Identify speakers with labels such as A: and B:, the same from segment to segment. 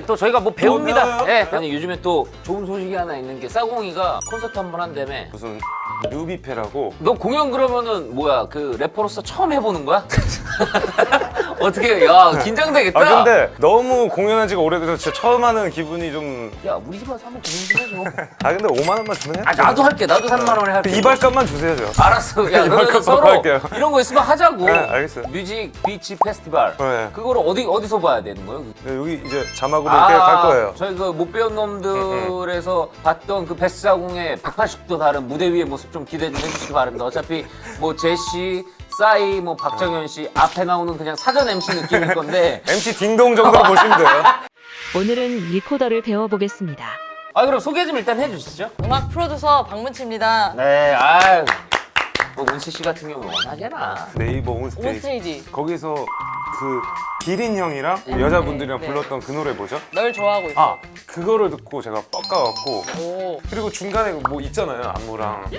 A: 또 저희가 뭐 배웁니다.
B: 배워요?
A: 예. 아니 요즘에 또 좋은 소식이 하나 있는 게 싸공이가 콘서트 한 번 한다며.
B: 무슨 뉴비페라고.
A: 너 공연 그러면은 뭐야 그 래퍼로서 처음 해보는 거야? 어떻게 야 긴장되겠다.
B: 아 근데 너무 공연한 지가 오래돼서 진짜 처음 하는 기분이 좀.
A: 야 우리 집 와서 한번 공연 좀 해줘.
B: 아 근데 5만 원만 주면 해?
A: 아 나도 할게. 나도 3만 원에 할게.
B: 이발값만 주세요 저.
A: 알았어. 야 그러면
B: 이만큼
A: 서로
B: 할게요.
A: 이런 거 있으면 하자고.
B: 네, 알겠어요.
A: 뮤직 비치 페스티벌.
B: 네.
A: 그거를 어디서 봐야 되는 거예요?
B: 네, 여기 이제 자막으로 이렇게 갈 거예요.
A: 저희 그 못 배운 놈들에서 봤던 그 베스사공의 180도 다른 무대 위의 모습 좀 기대 좀 해주시기 바랍니다. 어차피 뭐 제시, 싸이, 뭐 박정현 씨 앞에 나오는 그냥 사전 MC 느낌일 건데.
B: MC 딩동 정도로 보시면 돼요.
C: 오늘은 리코더를 배워보겠습니다.
A: 아 그럼 소개 좀 일단 해주시죠.
D: 음악 프로듀서 박문치입니다.
A: 네, 아유. 뭐 문치 씨 같은 경우는 워낙에나.
B: 네이버 온스테이지.
D: 온스테이지.
B: 거기서 그 기린 형이랑 여자분들이랑
D: 네.
B: 불렀던 그 노래 뭐죠?
D: 널 좋아하고 있어.
B: 아 그거를 듣고 제가 뻑가갖고
D: 오.
B: 그리고 중간에 뭐 있잖아요 안무랑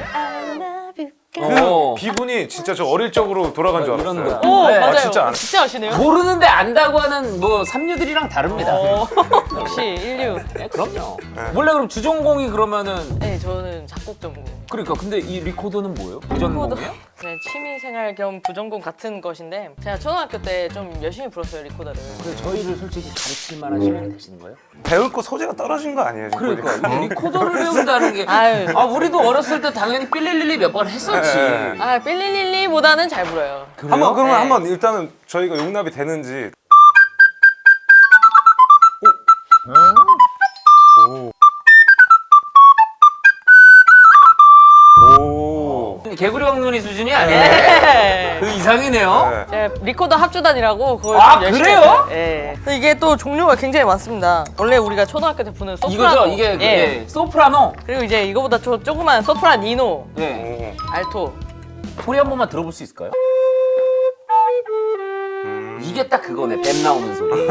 A: 어.
B: 기분이 진짜 저 어릴 적으로 돌아간 줄
A: 이런
B: 알았어요.
A: 거.
D: 오,
A: 네.
D: 맞아요.
B: 진짜 안-
D: 진짜 아시네요?
A: 모르는데 안다고 하는 뭐 삼류들이랑 다릅니다.
D: 역시 인류.
A: 네, 그럼요.
B: 네.
A: 원래 그럼 주전공이 그러면은
D: 네, 저는 작곡 전공.
A: 그러니까 근데 이 리코더는 뭐예요? 부전공이에요?
D: 네, 취미생활 겸 부전공 같은 것인데 제가 초등학교 때 좀 열심히 불었어요, 리코더를.
A: 근데 저희를 솔직히 가르칠 만한 시간이 되시는 거예요?
B: 배울 거 소재가 떨어진 거 아니에요? 지금
A: 그러니까
B: 보니까?
A: 이 리코더를 배운다는 게
D: 아유.
A: 아 우리도 어렸을 때 당연히 삘릴릴리 몇 번 했었지.
B: 네.
D: 아, 삘릴릴리보다는 잘 불어요.
B: 한번 그러면
D: 네.
B: 한번 일단은 저희가 용납이 되는지. 오. 오.
A: 개구리 왕눈이 수준이 아니에요.
D: 네.
A: 그 이상이네요.
B: 네.
D: 제가 리코더 합주단이라고 그걸
A: 아,
D: 좀 열심히
A: 그래요?
D: 했어요. 예. 근데 이게 또 종류가 굉장히 많습니다. 원래 우리가 초등학교 때 부는 소프라노.
A: 이거죠? 이게 그,
D: 예.
A: 예. 소프라노.
D: 그리고 이제 이거보다 조그만 소프라니노,
A: 네.
B: 오.
D: 알토.
A: 소리 한 번만 들어볼 수 있을까요? 이게 딱 그거네. 뱀 나오는 소리.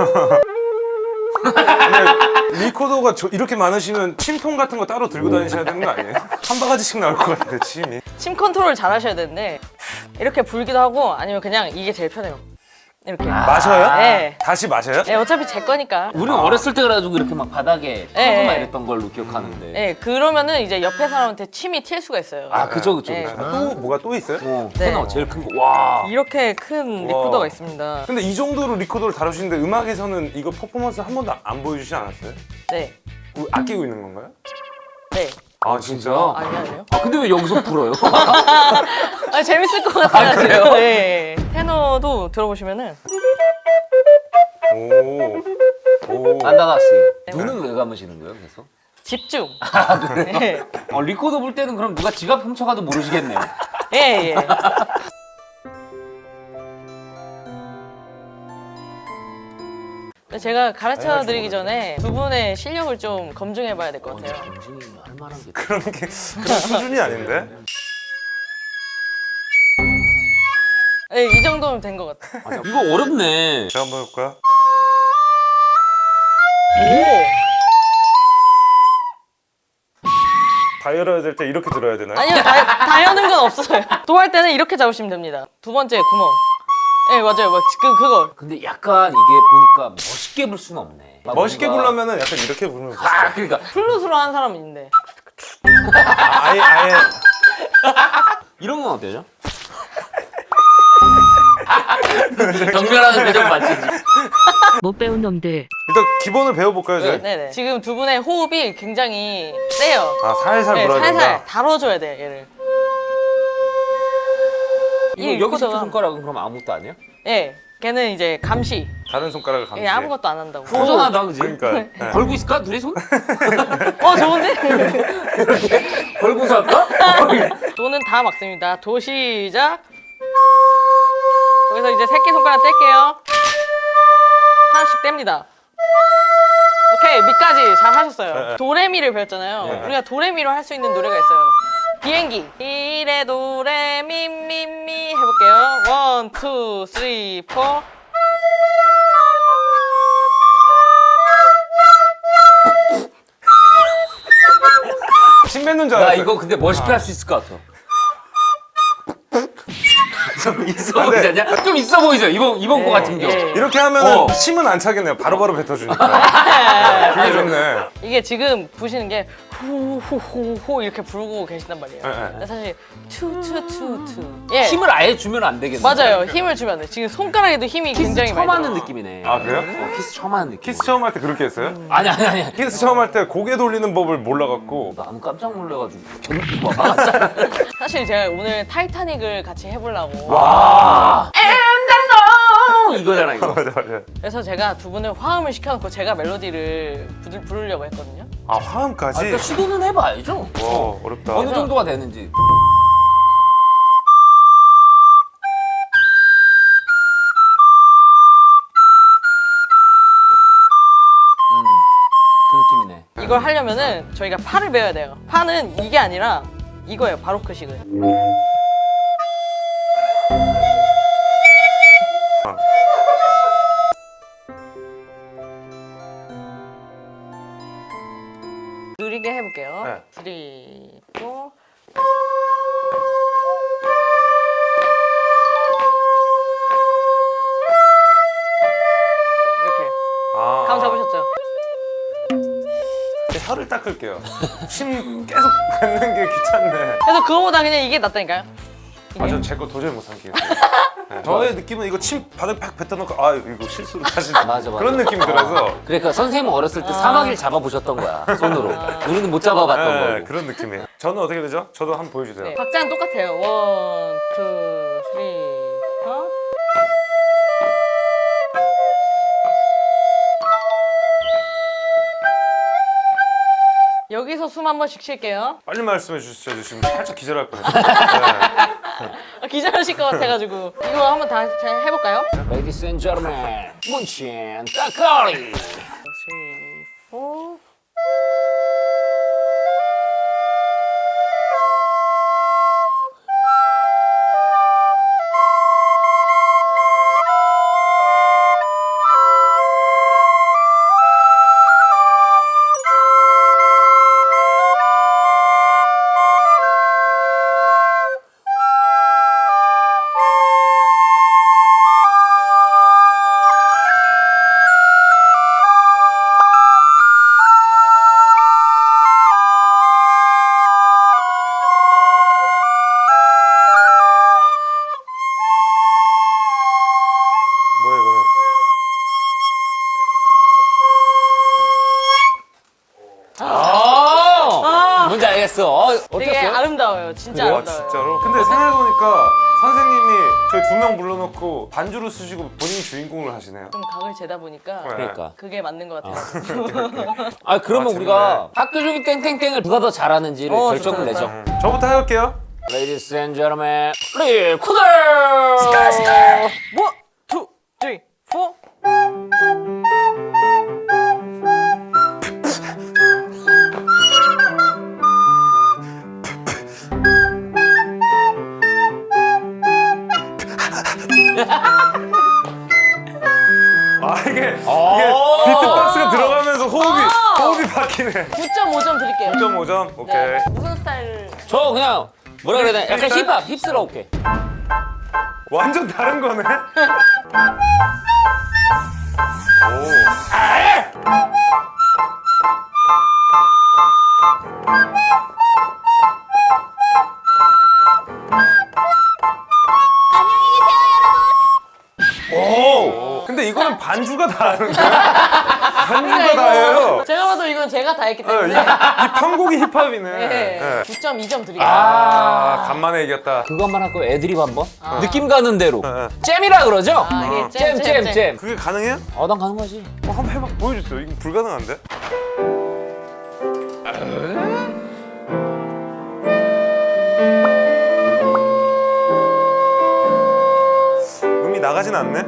B: 근데 리코더가 이렇게 많으시면 침통 같은 거 따로 들고 다니셔야 되는 거 아니에요? 한 바가지씩 나올 것 같은데 침이.
D: 침 컨트롤 잘 하셔야 되는데 이렇게 불기도 하고 아니면 그냥 이게 제일 편해요. 이렇게.
B: 마셔요?
D: 네.
B: 다시 마셔요?
D: 네, 어차피 제 거니까.
A: 우리는 어렸을 때 그래가지고 이렇게 막 바닥에
D: 예,
A: 펴고만
D: 예.
A: 이랬던 걸로 기억하는데.
D: 네, 그러면은 이제 옆에 사람한테 침이 튈 수가 있어요.
A: 아, 그죠, 그죠,
D: 예.
A: 그죠.
B: 또 뭐가 또 있어요?
A: 어,
D: 네.
A: 테너 제일 큰 거. 와.
D: 이렇게 큰 리코더가 있습니다.
B: 근데 이 정도로 리코더를 다루시는데 음악에서는 이거 퍼포먼스 한 번도 안 보여주시지 않았어요?
D: 네.
B: 아끼고 있는 건가요?
D: 네.
B: 아 진짜?
D: 아니요.
A: 아, 근데 왜 여기서 불어요?
D: 아, 재밌을 것 같아요.
A: 아, 그래요?
D: 네. 테너도 들어보시면은
B: 오. 오.
A: 안다나 씨. 눈은 왜 감으시는 거예요, 계속?
D: 집중.
A: 아, 그래요?
D: 네.
A: 리코더 불 때는 그럼 누가 지갑 훔쳐가도 모르시겠네요.
D: 예, 예. 제가 가르쳐 드리기 전에 두 분의 실력을 좀 검증해 봐야 될 것 같아요.
A: 검증이 할 만한 게.
B: 그런 수준이 아닌데?
D: 네, 이 정도면 된 것 같아요.
A: 아, 이거 어렵네.
B: 제가 한번 해볼까요? 다이얼해야 될 때 이렇게 들어야 되나요?
D: 아니요, 다 여는 건 없어요. 도 할 때는 이렇게 잡으시면 됩니다. 두 번째 구멍. 네, 맞아요. 막 그거.
A: 근데 약간 이게 보니까 멋있게 불 수는 없네. 막
B: 멋있게
A: 뭔가-
B: 부르려면 약간 이렇게 부르면 좋죠.
A: 아, 그러니까
D: 플룻으로 하는 사람은 있는데.
B: 아예
A: 이런 건 어때요? 경멸하는 표정 맞지?
C: 못 배운 놈들.
B: 일단 기본을 배워볼까요 저희?
D: 네네. 지금 두 분의 호흡이 굉장히 세요.
B: 아 살살
D: 네,
B: 불어야
D: 살살
B: 된다.
D: 다뤄줘야 돼요, 얘를.
A: 이거 여기 새끼
D: 리코더가-
A: 손가락은 그럼 아무것도 아니야?
D: 예. 걔는 이제 감시.
B: 다른 손가락을 감지.
D: 예, 아무것도 안 한다고.
A: 도전하다, 그지?
B: 그러니까. 네.
A: 걸고 있을까? 둘이 손?
D: 좋은데?
A: 걸고서 할까?
D: 도는 다 막습니다. 도 시작. 거기서 이제 새끼손가락 뗄게요. 하나씩 뗍니다. 오케이, 미까지 잘 하셨어요.
B: 네.
D: 도레미를 배웠잖아요.
A: 네.
D: 우리가 도레미로 할 수 있는 노래가 있어요. 비행기. 이레 도레미 미미 해볼게요. 원, 투, 쓰리, 포.
B: 침 뱉는 줄
A: 나
B: 알았어요.
A: 이거 근데 멋있게 할 수 있을 것 같아. 좀 있어 보이지 않냐? 좀 있어 보이죠? 이번 거 같은 경우.
B: 이렇게 하면은
A: 어.
B: 침은 안 차겠네요. 바로바로 뱉어주니까. 그게 좋네.
D: 이게 지금 부시는 게 후후후후 이렇게 부르고 계신단 말이에요. 근데 사실 투투투투. 예.
A: 힘을 아예 주면 안 되겠네.
D: 맞아요. 힘을 주면 안 돼. 지금 손가락에도 힘이
A: 키스
D: 굉장히
A: 처음
D: 많이
A: 하는
D: 들어요.
A: 느낌이네.
B: 아, 그래요?
A: 키스 처음 하는 느낌.
B: 키스 처음 할 때 그렇게 했어요?
A: 아니.
B: 키스 처음 할 때 고개 돌리는 법을 몰라갖고.
A: 나는 깜짝 놀래가지고 견디고 막.
D: 사실 제가 오늘 타이타닉을 같이 해보려고.
A: 와. 이거잖아 이거.
B: 맞아.
D: 그래서 제가 두 분을 화음을 시켜놓고 제가 멜로디를 부르려고 했거든요.
B: 아, 화음까지?
A: 그러니까 시도는 해봐야죠.
B: 와, 어렵다.
A: 어느 정도가 되는지. 그 느낌이네.
D: 이걸 하려면은 저희가 파를 배워야 돼요. 파는 이게 아니라 이거예요. 바로크식은. 느리게 해볼게요.
B: 네.
D: 3, 4. 이렇게.
B: 아,
D: 감 잡으셨죠?
B: 혀를 닦을게요. 침 계속 뱉는 게 귀찮네.
D: 그래서 그거보다 그냥 이게 낫다니까요. 이게.
B: 아, 전 제 거 도저히 못 삼키겠어요. 네. 저의 느낌은 이거 침 바닥에 팍 뱉어놓고 아 이거 실수로 다시
A: 맞아.
B: 그런 느낌이 들어서
A: 그러니까 선생님 어렸을 때 사마귀를 잡아보셨던 거야 손으로. 우리는 못 잡아봤던
B: 네,
A: 거고.
B: 그런 느낌이에요. 저는 어떻게 되죠? 저도 한번 보여주세요.
D: 네, 박자는 똑같아요. 1, 2, 3, 4. 여기서 숨 한 번씩 쉴게요.
B: 빨리 말씀해 주시죠. 지금 살짝 기절할 뻔했어요. 네.
D: 기절하실 것 같아가지고 이거 한번 다시 해볼까요?
A: Ladies and gentlemen, 문친 따까리.
D: 3, 4.
B: 뭐예요 그러면?
A: 뭔지 알겠어.
D: 되게
A: 어땠어요?
D: 아름다워요. 진짜
B: 와
D: 아름다워요.
B: 진짜로? 근데 생각해보니까 선생님이 저희 2명 불러놓고 반주를 쓰시고 본인이 주인공을 하시네요.
D: 좀 각을 재다 보니까
B: 네.
A: 그러니까.
D: 그게 맞는 것 같아요.
A: 아 그러면
B: 아,
A: 우리가 학교 종이 땡땡땡을 누가 더 잘하는지를 결정을
D: 좋다,
A: 내죠.
B: 저부터 해볼게요.
A: Ladies and gentlemen, 리코더.
D: 1, 2, 3, 4.
B: 아 이게 비트박스가 들어가면서 호흡이 바뀌네.
D: 9.5점 드릴게요.
B: 9.5점 오케이.
D: 네. 무슨 스타일?
A: 저 그냥 뭐라 그래야 되나? 약간 힙합, 힙스러울게.
B: 완전 다른 거네. 오. 오. 근데 이거는 반주가 다른 거야. 반주가 다예요.
D: 제가 봐도 이건 제가 다 했기
B: 이
D: 때문에.
B: 편곡이 힙합이네.
D: 네.
B: 네.
D: 9.2점 드릴게요.
B: 아, 간만에 이겼다.
A: 그거 한번 할거 애드립 한번? 느낌 가는 대로.
B: 네.
A: 잼이라 그러죠?
D: 이게
A: 잼.
B: 그게 가능해요?
A: 난 가는 거지.
B: 한번 해봐 보여주세요. 이거 불가능한데? 음이 나가진 않네.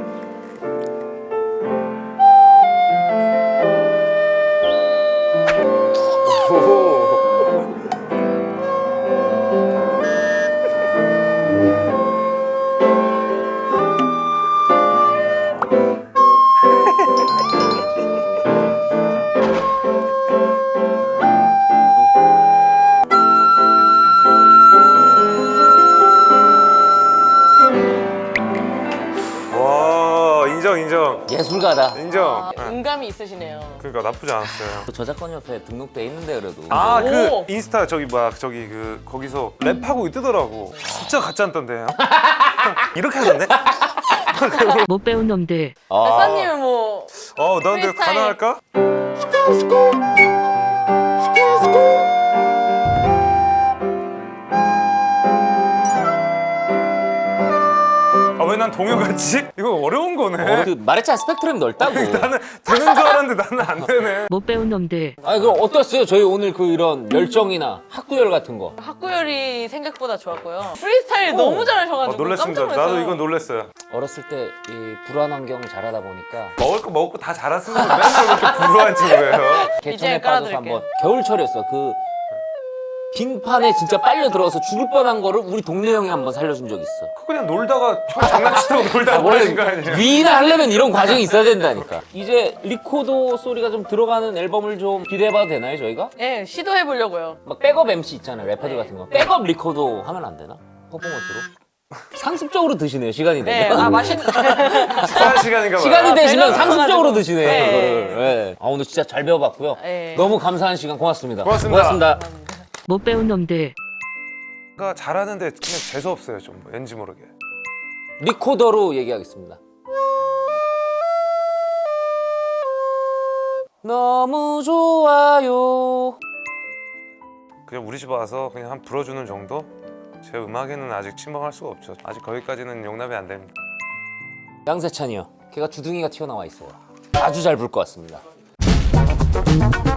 A: 예술가다.
B: 인정. 네.
D: 음감이 있으시네요.
B: 그러니까 나쁘지 않았어요.
A: 그 저작권 협회에 등록돼 있는데 그래도.
B: 아, 그
D: 오.
B: 인스타 저기 뭐야 저기 그 거기서 랩하고 뜨더라고. 진짜 가짜 않던데요? 이렇게 하던데?
C: 못 배운 놈들.
D: 대사님은 뭐
B: 너한테
D: 프리스타일.
B: 가능할까? 아, 왜 난 동요 같지? 이거 어려운 거네.
A: 그 말했잖아 스펙트럼이 넓다고.
B: 나는 되는 줄 알았는데 나는 안 되네.
C: 못 배운 놈들.
A: 아니 그럼 어땠어요? 저희 오늘 그 이런 열정이나 학구열 같은 거.
D: 학구열이 생각보다 좋았고요. 프리스타일 너무 잘하셔가지고
B: 놀랐습니다.
D: 깜짝 놀랐어요.
B: 나도 이건 놀랐어요.
A: 어렸을 때 이 불안 환경 잘하다 보니까
B: 먹을 거 다 잘았으면 맨날 그렇게 불우한 친구예요.
A: 개천에 빠져서
D: 깔아드릴게요.
A: 한번 겨울철이었어. 그 빙판에 진짜 빨려 들어가서 죽을 뻔한 거를 우리 동네 형이 한번 살려준 적 있어.
B: 그냥 놀다가 장난치다가 놀다가 버리신 거 아니에요?
A: 위인을 하려면 이런 과정이 있어야 된다니까. 이제 리코더 소리가 좀 들어가는 앨범을 좀 기대해봐도 되나요 저희가?
D: 네, 시도해보려고요.
A: 막 백업 MC 있잖아요 래퍼들 같은 거. 백업 리코더 하면 안 되나? 퍼포먼스로? 상습적으로 드시네요 시간이
D: 네,
A: 되면.
B: 식사할 시간인가 봐요.
A: 시간이 되시면
D: 배가
A: 상습적으로
D: 고파가지고.
A: 드시네
D: 네.
A: 이거를. 네. 아 오늘 진짜 잘 배워봤고요.
D: 네.
A: 너무 감사한 시간 고맙습니다.
B: 고맙습니다.
C: 못 배운 놈들.
B: 그러니까 잘하는데 그냥 재수 없어요 좀 왠지 모르게.
A: 리코더로 얘기하겠습니다. 너무 좋아요.
B: 그냥 우리 집 와서 그냥 한 불어주는 정도? 제 음악에는 아직 침범할 수가 없죠. 아직 거기까지는 용납이 안 됩니다.
A: 양세찬이요. 걔가 주둥이가 튀어나와 있어요. 아주 잘 불 것 같습니다.